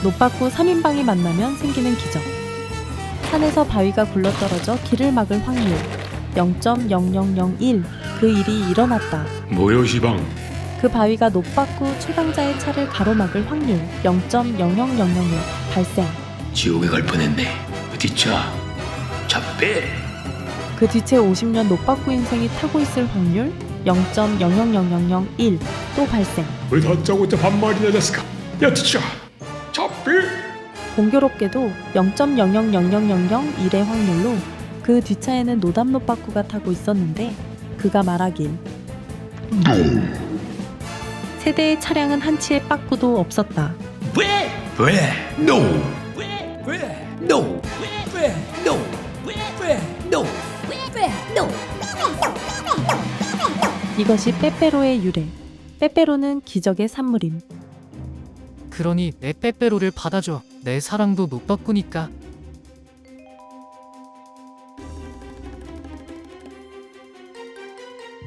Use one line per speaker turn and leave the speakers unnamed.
노빠꾸 3인방이 만나면 생기는 기적. 산에서 바위가 굴러떨어져 길을 막을 확률 0.0001. 그 일이 일어났다.
뭐요 시방?
그 바위가 노빠꾸 최강자의 차를 가로막을 확률 0.00001 발생.
지옥에 갈 뻔했네. 어디 차? 잡배.
그 뒤채 50년 노빠꾸 인생이 타고 있을 확률 0.00001 또 발생.
왜 다짜고짜 반말이나 됐을까? 야 뒤차. 잡배.
공교롭게도 0.0000001의 확률로 그 뒷차에는 노담 노빠꾸가 타고 있었는데 그가 말하길 세대의 차량은 한치의 빠꾸도 없었다.
왜? No. 왜? No. No. No.
이것이 빼빼로의 유래. 빼빼로는 기적의 산물임.
그러니 내 빼빼로를 받아줘. 내 사랑도 못 바꾸니까.